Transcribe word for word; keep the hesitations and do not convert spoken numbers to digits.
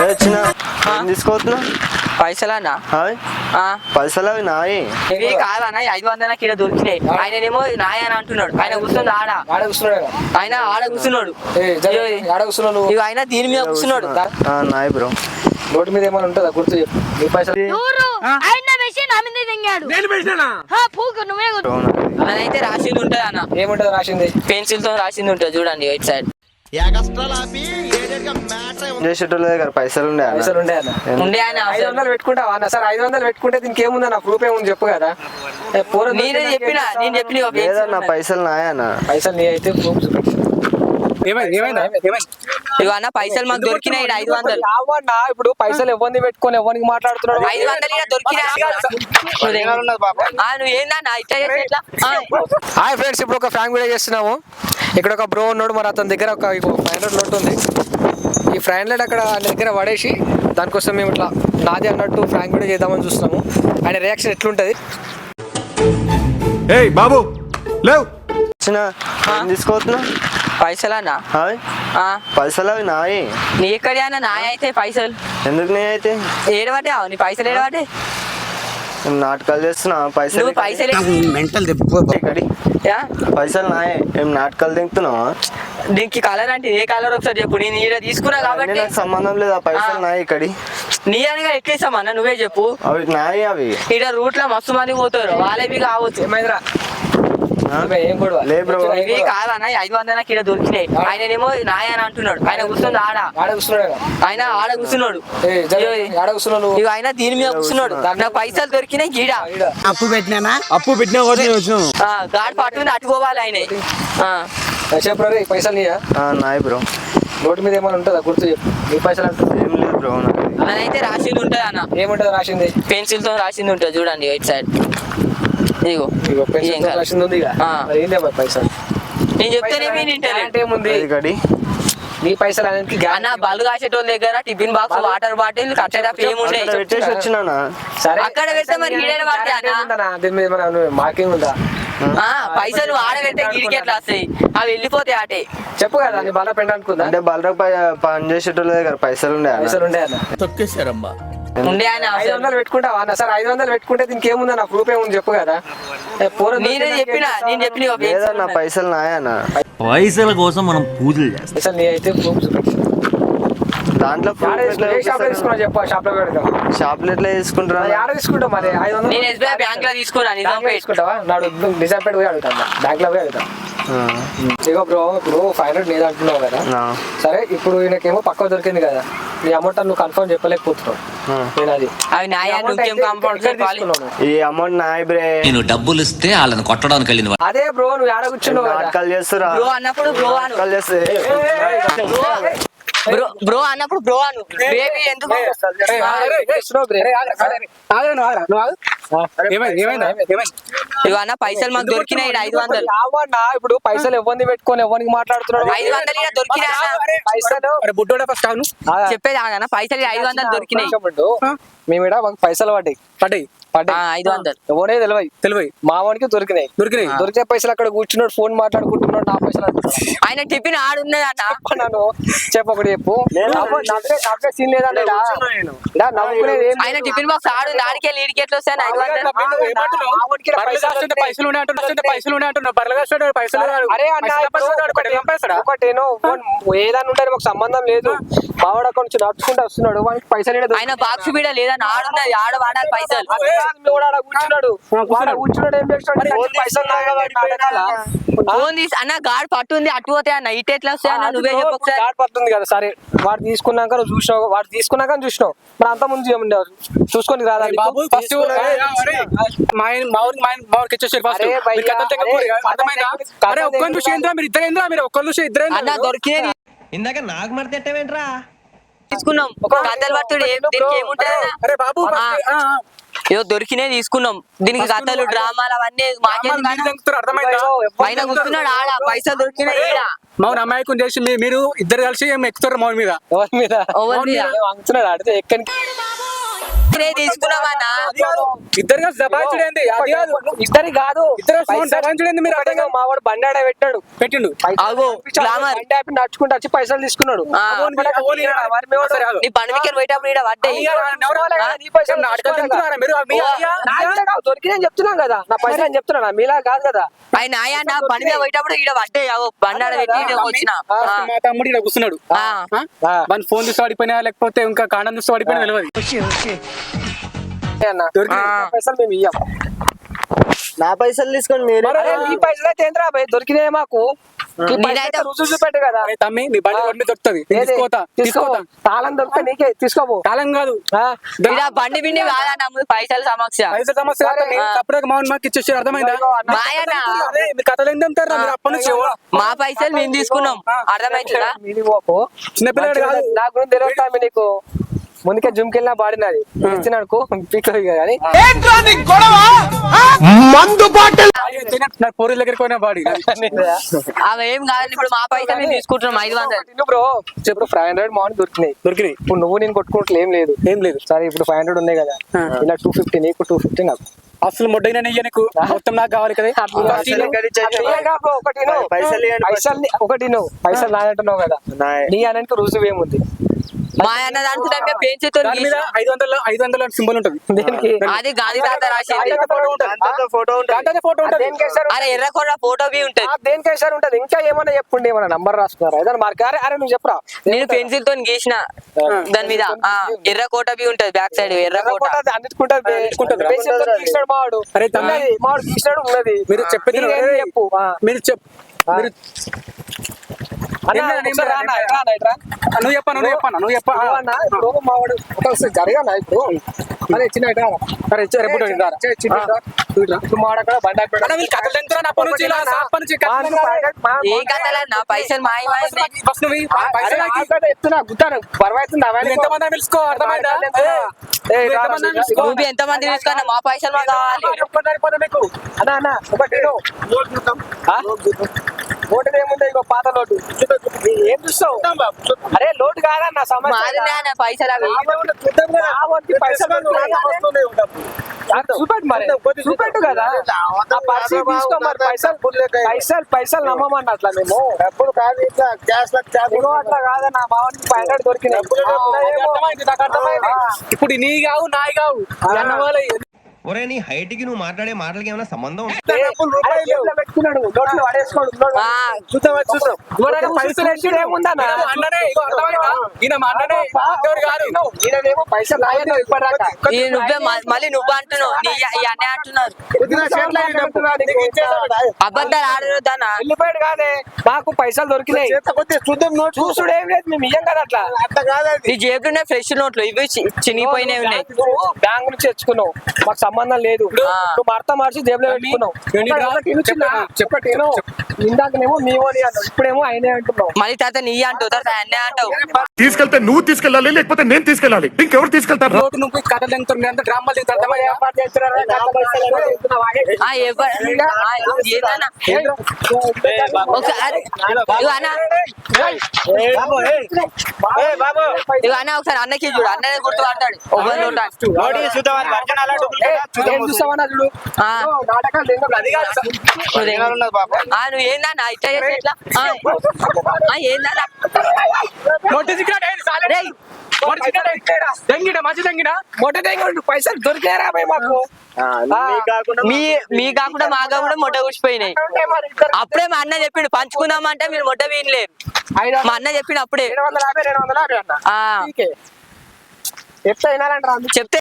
వచ్చిన తీసుకోవద్దు పైసలన్నా పైసలు అవి నాయి ఇవి కాదన్నా ఐదు వందల కిలో దొరికినాయి. ఆయనేమో నాయ అని అంటున్నాడు. ఆయన కూర్చుంది ఆడ ఆడ కూర్చున్నాడు ఆయన ఆడ కూర్చున్నాడు ఆడ కూర్చున్నాడు ఇక ఆయన దీని మీద కూర్చున్నాడు. నాయి బ్రో నోటి మీద ఏమైనా ఉంటుందా గుర్తు చెప్పు. నీ పైసలు అదైతే రాసింది ఉంటది అన్న. ఏముంటది రాసింది? పెన్సిల్ తో రాసింది ఉంటది చూడండి ఇటు సైడ్. చేసేటోళ్ళ దగ్గర పైసలు ఉండే పైసలు ఉండే అన్న ఉండే ఆయన ఐదు వందలు పెట్టుకుంటావా అన్న? సార్ ఐదు వందలు పెట్టుకుంటే దీనికి ఏముంది అన్న? ప్రూఫ్ ఏముంది చెప్పు కదా. నేనే చెప్పిన నేను చెప్పిన లేదన్న పైసలు నాయన్న. పైసలు నీ అయితే ప్రూఫ్ ఇక అన్న పైసలు మాకు దొరికినాయి ఐదు వందలు. అవన్నా ఇప్పుడు పైసలు ఎవరిని పెట్టుకొని ఎవరికి మాట్లాడుతున్నాడు? ఐదు వందలు ఇలా దొరికినాయి. నువ్వు ఏందన్నా ఇట్లా చేస్తే ఎట్లా? హాయ్ ఫ్రెండ్స్, ఇప్పుడు ఒక ఫ్రాంక్ వీడియో చేస్తున్నాము. ఇక్కడ ఒక బ్రో ఉన్నాడు, మరి అతని దగ్గర ఒక ఫైవ్ హండ్రెడ్ నోట్ ఉంది. ఈ ఫైవ్ హండ్రెడ్ అక్కడ ఆయన దగ్గర పడేసి దానికోసం మేము ఇట్లా నాది అన్నట్టు ఫ్రాంక్ వీడియో చేద్దామని చూస్తున్నాము. ఆయన రియాక్షన్ ఎట్లుంటది? ఏయ్ బాబు లేవు వచ్చిన తీసుకోవద్దు పైసలన్నా పైసలు అవి నాయి. నీ ఎక్కడే అన్న నాయ అయితే పైసలు ఎందుకు నీ అయితే ఏడవాటే నీ పైసలు ఏడవాటే నాటకాలు చేస్తున్నా. పైసలు పైసలు పైసలు నాయే ఏం నాటకాలు తింటున్నావా? దీనికి కలర్ అంటే ఏ కలర్ ఒకసారి చెప్పు. నేను ఈడ తీసుకున్నా కాబట్టి నాకు సంబంధం లేదు. ఆ పైసలు నాయి ఇక్కడి నీ అనగా ఎట్లేసామన్నా నువ్వే చెప్పు. అవి నాయి అవి ఈడ రూట్ లో మస్తు మంది పోతారు, వాళ్ళవి కావచ్చు. ఏమైందిరా? లే బ్రో ఇవి కాదన్నా ఐదు వందల కిలో దొరికినాయి. ఆయనేమో నాయ అని అంటున్నాడు. ఆయన కూర్చుంది ఆడ ఆడ కూర్చున్నాడు ఆయన ఆడ కూర్చున్నాడు ఆడ కూర్చున్నాడు ఇక ఆయన దీని మీద కూర్చున్నాడు. నాకు పైసలు దొరికినాయి గీడ అప్పు పెట్టినా అప్పు పెట్టినా వచ్చినాం గాడి పట్టుకుని అట్టుకోవాలి ఆయన. చెప్పు రే, పైసలు నీయా? నాయి బ్రో. నోటి మీద ఏమైనా ఉంటుందా గుర్తు చెప్పు. నీ పైసలు అంటుంది ఏం లేదు బ్రో. అదైతే రాసింది ఉంటది అన్న. ఏముంటది రాసింది? పెన్సిల్ తో రాసింది ఉంటది చూడండి ఇటు సైడ్. ఇగో రాసింది ఉంది. ఏంటి పైసలు? నేను చెప్తేనే అంటే ఏముంది? నీ పైసలు అనేది అన్న బల్లు కాసేటోళ్ళ దగ్గర టిఫిన్ బాక్స్ వాటర్ బాటిల్ కట్టడా ఏముండే పెట్టేసి వచ్చినా. సరే అక్కడ పెడితే మరి ఈడేడ పడతాయి. దీని మీద మార్కింగ్ ఉందా? పైసలు ఆడబెడితే గిడికి ఎట్లా వస్తాయి? అవి వెళ్ళిపోతాయి ఆటే. చెప్పు కదా నీ బల్ల పెంట అనుకుందా? అంటే బలరా పని చేసేటోళ్ళ దగ్గర పైసలు ఉండే పైసలు ఉండే అన్న తొక్కేశారమ్మా. ఉండే ఆయన ఐదు వందలు పెట్టుకుంటావా అన్న? సార్ ఐదు వందలు పెట్టుకుంటే దీనికి ఏముంది అన్న? ప్రూఫ్ ఏముంది చెప్పు కదా. నేనే చెప్పిన నేను చెప్పిన లేదన్న పైసలు నాయన్న. పైసల కోసం మనం పూజలు చేస్తాం. పైసలు నీ అయితే ప్రూఫ్ దాంట్లో షాప్ లో తీసుకున్నా చెప్పు. షాప్ లో పెడతాం. షాప్ లో ఎట్లా తీసుకుంటారా? ఆడ తీసుకుంటాం మరి. ఐదు వందలు నేను ఎస్బీఐ బ్యాంక్ లో తీసుకున్నా. నిజాంపేట తీసుకుంటావా? నాడు నిజాంపేట పోయి అడుగుతాం, బ్యాంక్ లో పోయి అడుగుతాం. ఇగో బ్రో, ఇప్పుడు ఫైవ్ హండ్రెడ్ నేను అంటున్నావు కదా. సరే ఇప్పుడు ఈయనకేమో పక్క దొరికింది కదా, నీ అమౌంట్ నువ్వు కన్ఫర్మ్ చెప్పలేకపోతున్నావు. నేను అది అవి నాయ ఈ అమౌంట్ నాయ బ్రే. నేను డబ్బులు ఇస్తే వాళ్ళని కొట్టడానికి వెళ్ళిన అదే బ్రో, నువ్వు ఆడ కూర్చున్నావు నాటకాలు చేస్తురా. బ్రో అన్నప్పుడు బ్రో అను. నాటకాలు చేస్తే బ్రో బ్రో అన్నప్పుడు బ్రో అను. బేబీ ఎందుకు? ఇక అన్న పైసలు మాకు దొరికినాయి ఐదు వందలు. ఇప్పుడు పైసలు ఎవరిని పెట్టుకొని ఎవరికి మాట్లాడుతున్నాడు? ఐదు వందలు ఇలా దొరికినాయి పైసలు చెప్పేది అన్న. పైసలు ఐదు వందలు దొరికినాయి. మేము ఇక్కడ పైసలు పడ్డాయి పడ్డాయి పడ్డాయి ఐదు వందలు ఎవరే తెలివై తెలివై మావానికి దొరికినాయి దొరికినాయి దొరికే పైసలు అక్కడ కూర్చున్నాడు, ఫోన్ మాట్లాడుకుంటున్నాడు. నా పైసలు ఆయన టిఫిన్ ఆడున్నది అన్న. నన్ను చెప్పకూడదు చెప్పు. సీన్ లేదంటే ఆయన టిఫిన్ బాక్స్ ఆడు ఆడికి వెళ్ళి ఈడికి ఎట్లా వస్తాయి ఐదు వందలు? ఒకటేనో ఏదైనా ఉంటారు, మాకు సంబంధం లేదు. మావాడు అక్కడ నుంచి నడుచుకుంటూ వస్తున్నాడు, వానికి పైసలు ఆయన బాక్స్ కూడా లేదా ఆడున్నది ఆడ వాడాలి పైసలు. కూర్చున్నాడు కూర్చున్నాడు ఏం చేస్తాడు? పైసలు ఫోన్ తీసి అన్న గాడి పట్టుంది అటు పోతే అన్న ఇటు ఎట్లా వస్తాయి అన్న? నువ్వే చెప్పు. గాడి పట్టుంది కదా. సరే వాడు తీసుకున్నాక నువ్వు చూసినావు, వాడు తీసుకున్నాక చూసినావు, మరి అంత ముందు చూసుకొని రాదా? ఇందాక నాకు మడతేంట్రా తీసుకున్నాం. కథలు పట్టుడు ఏదో దొరికినే తీసుకున్నాం. దీనికి కథలు డ్రామాలు అవన్నీ పైన కూర్చున్నాడు ఆడ. పైసలు దొరికినాయి ఈడ. మౌన్ అమాయకం చేసి మీరు ఇద్దరు కలిసి ఎక్కుతారు మౌన్ మీద. ఎవరి మీద? అంటున్నాడు ఆడితే ఎక్కడికి తీసుకున్నామన్నా ఇద్దరుగా దబాయించుడేంది అది కాదు ఇద్దరి కాదు ఇద్దరు దబాయించుడేంది మీరు అర్థం కాదు. మా వాడు బండి ఆడ పెట్టాడు పెట్టిండు ఆగో గ్లామర్ బండి ఆపి నడుచుకుంటూ వచ్చి పైసలు తీసుకున్నాడు ఆ. ఓన్ వి- ఓన్ ఇయ్యరా? మరి మీ వాడు- సరే, ఆగు. నీ పని మీదకి పోయేటప్పుడు ఈడ పడ్డాయి ఇయ్యరా? ఎవరు వాళ్ళ కదా? నీ పైసలు ఏం నాటకాలు తింటున్నారా మీరు? మీ అయ్యా? నా ఇల్లే కాదు, దొరికినాయని చెప్తున్నాం కదా నా పైసలు అని చెప్తున్నా మీలా కాదు కదా ఆయన నాయ నా పని మీద పోయేటప్పుడు ఈడ పడ్డాయి ఆగో బండాడ పెట్టి ఈడ వచ్చిన ఆ, మా తమ్ముడు ఇక్కడ కూర్చున్నాడు ఆ. ఆ? వాని ఫోన్ చూసి పడిపోయినా లేకపోతే ఇంకా కాండం చూసి పడిపోయినా తెలియదు ఏ అన్న దొరికినాయి. నా పైసలు మేము ఇయ్యం నా పైసలు తీసుకొని మీరు అరే నీ పైసలు అయితే ఏంద్రా భయ్ దొరికినాయి మాకు ఈ పైసలు నేనైతే అయితే రుజువు చూపెట్టు కదా అరే తమ్మి నీ బండి రోడ్డు మీద దొరుకుతుంది ఏది? తీసుకోతా తీసుకో తీసుకోతా తాళం దొరికితే నీకే తీసుకోపో కాలం కాదు ఆ? ఈడ బండి బిండి కాదన్న ముందు పైసల సమక్ష పైసలు సమస్య కాదు తమ్మి. తప్పుడుగా మౌన్ మాకు ఇచ్చేసి అర్థమైందా మాయనా అదే మీ కథలు ఏంటి అంటారా మీరు అప్పటి నుంచి ఎవరు? మా పైసలు మేము తీసుకున్నాం అర్థమవుతుందా మీది పోకు చిన్నపిల్లడు కాదు నా గురించి తెలియదు నీకు ముందుకే జుమ్కెళ్ళినా బాడినది ఇచ్చినాడుకో పీకో కానీ నా పోరీ దగ్గరికి పోయిన బాడీ అవి ఏం కాదు ఇప్పుడు మా పైసలు మేము తీసుకుంటున్నాం ఐదు వందలు బ్రో చెప్పు ఫైవ్ హండ్రెడ్ మార్నింగ్ దొరికినాయి దొరికినాయి ఇప్పుడు నువ్వు నేను కొట్టుకుంటే ఏం లేదు ఏం లేదు సరే ఇప్పుడు ఫైవ్ హండ్రెడ్ ఉన్నాయి కదా ఇలా టూ ఫిఫ్టీ నీకు టూ ఫిఫ్టీ నాకు అసలు మొడ్డైనా నెయ్యి నీకు మొత్తం నాకు కావాలి కదా పైసలు ఎక్కడి నుంచి అట్లా వచ్చాయి? ఇయ్యగా bro, ఒకటి నువ్వు. పైసలు ఇవ్వండి first. పైసలు ని- ఒకటి నువ్వు పైసలు నాదంటున్నావు కదా నాయ్. నీ అనంటే రుజువు ఏముంది మా అన్న దాంట్లో పెంచుతో దాని మీద ఐదు వందల ఐదు వందల సింబల్ ఉంటుంది దేనికి అది గాంధీ తాత రాసింది దాంతో ఫోటో ఉంటుంది దాంట్లోనే ఫోటో ఉంటుంది దేనికి వేశారు? అరే ఎర్రకొండ ఫోటో బి ఉంటది ఆ, దేనికి వేశారు ఉంటది ఇంకా ఏమన్నా చెప్పుండి ఏమన్నా నంబర్ రాసుకున్నారా ఏదైనా మార్క్ అరే అరే నువ్వు చెప్పరా నేను పెన్సిల్ తో గీసిన దాని మీద ఆ ఎర్రకోట బి ఉంటది బ్యాక్ సైడ్ ఎర్రకోట అన్నిటికుంటది అన్నిటికుంటది. గీసినాడు మావాడు అరే తమ్మి. ఉన్నది, మావాడు గీసినాడు ఉన్నది మీరు చెప్పేది నీకేం అరే, చెప్పు ఆ. మీరు చెప్ మీరు అన్న, ఏం లేదు, ఏం ఒకసారి రా లేదు. అన్న, ఇట్రా అన్న, ఇట్రా. నువ్వు చెప్పాను నువ్వు చెప్పాను నువ్వు చెప్పా నువ్వు అన్న, ఇప్పుడు మావాడు ఒకసారి జరగానా ఇప్పుడు అరే చిన్న ఇట్రా రా. సరే ఇచ్చే రేపు చిన్న ఇట్రా. ఇప్పుడు మావాడు అక్కడ బండి ఆపి అన్న, వీళ్ళు కథలు ఎంతురా అప్పటి నుంచి ఇలా అప్పటి నుంచి మా కథలు నువ్వు ఎంతురా? మా- ఏ కథలన్నా పైసలు మాయ మాయ ఫస్ట్ నువ్వు ఈ పైసలు అరే, నాకు ఇవ్వు. ఆల్రెడీ చెప్తున్నా గుత్తాను పర్వాయితుంది నువ్వు ఎంతమంది అని పిలుచుకో అర్థమైందా ఏ, నువ్వు రా, ఎంతమంది అని రా, పిలుచుకో. నువ్వు ఎంత మంది తీసుకున్నా మా పైసలు మాకు కావాలి అన్న అన్న ఒకటి ఇను. ఆ? లోటు ఏముంది ఇగో పాత లోటు ఏం చూస్తావు అరే లోటు కాదన్న సమస్య మాదినే అన్న పైసలు అవి రావద్దు, పైసలు చూపెట్టు మరి చూపెట్టు కదా ఆ పర్సీ తీసుకో మరి పైసలు పైసలు పైసలు నమ్మమన్న అట్లా మేము డబ్బులు కాదు ఇట్లా క్యాష్ ఇగో అట్లా కాదన్న మా వాడికి ఫైవ్ హండ్రెడ్ దొరికినాయి అర్థమైంది నాకు అర్థమైంది ఇప్పుడు నీ కావు నాయి కావు అన్న వాళ్ళ ఒరే నీ హైట్ కి నువ్వు మాట్లాడే మాటలకి ఏమైనా సంబంధం ఉందా? అరే, జేబులో పెట్టుకున్నాడు నోట్లో పడేసుకోడు నోట్లో. ఆ, చూద్దాం అది చూద్దాం ఎవరైనా పైసలు వేసుడు ఏముందన్న ఈయన మా అన్ననే ఇగో అర్థమైందా ఈయన మా అన్ననే ఇంకెవరు కాదు ఈయనేమో పైసలు లాగేది ఇప్పటిదాకా ఈ నువ్వే మ- మళ్ళీ నువ్వు అంటున్నావు నీ ఈ అన్నే అంటున్నారు అబద్ధాలు ఆడదానా వెళ్ళిపోయాడు కాదే మాకు పైసలు దొరికినాయి చూద్దాం నోట్ చూసుడు ఏం లేదు మేము ఇయ్యం కదా అట్లా అట్లా కాదు నీ జేబులోనే ఫ్రెష్ నోట్లు ఇవి చి- చినిగిపోయినవి ఉన్నాయి బ్యాంక్ నుంచి తెచ్చుకున్నావు మాకు సంబంధం లేదు నువ్వు భర్త మార్చి జేబులో పెట్టుకున్నావు ఏంటి రా? ఒకటి ఇను చిన్న, చెప్పు, ఒకటి ఇను. ఇందాకనేమో మీ ఓడి అన్నావు ఇప్పుడేమో అయినే అంటున్నావు మళ్ళీ తర్వాత నీ అంటావు తర్వాత అన్నే అంటావు తీసుకెళ్తే నువ్వు తీసుకెళ్ళాలి లేకపోతే నేను తీసుకెళ్ళాలి ఇంకెవరు తీసుకెళ్తారు రోడ్డు నువ్వు కథలు ఎంతో మీ అంతా డ్రామాలు తింటారు అర్థమైందా ఏర్పాటు చేస్తున్నారా? నాకు పైసలు ఏమో చెప్తున్నావా? ఆ, ఎవ్వ- ఆ, ఏదన్నా ఒకసారి ఇగో అన్న ఇగో అన్న ఒకసారి అన్నకి చూడు అన్ననే గుర్తు పడతాడు ఒకరి నోట ఏం చూస్తావన్నా చూడు ఆ. ఓ, నాటకాలు ఏందో అది కాదు. ఆ, నువ్వు ఏందన్నా ఇట్లా చేస్తే ఎట్లా ఆ, ఆ, ఏందన్నా మొట్ట చిక్కినాడు, ఏయ్, సాలే. రేయ్, మొట్ట చిక్కినాడు, ఏయ్, దెంగిడా, మంచి దెంగిడా? మొట్ట దగ్గర పైసలు దొరికారా భయ్ మాకు మీ మీ కాకుండా మా కాకుండా మొట్ట కూర్చిపోయినాయి ఉంటే మరి ఇద్దరు అప్పుడే మా అన్న చెప్పిండు పంచుకుందామంటే మీరు మొట్ట వీనలేరు ఐదు మా అన్న చెప్పిండు అప్పుడే రెండు వందల యాభై రెండు వందల యాభై అన్న ఆ ఎట్లా వినాలంటారా చెప్తే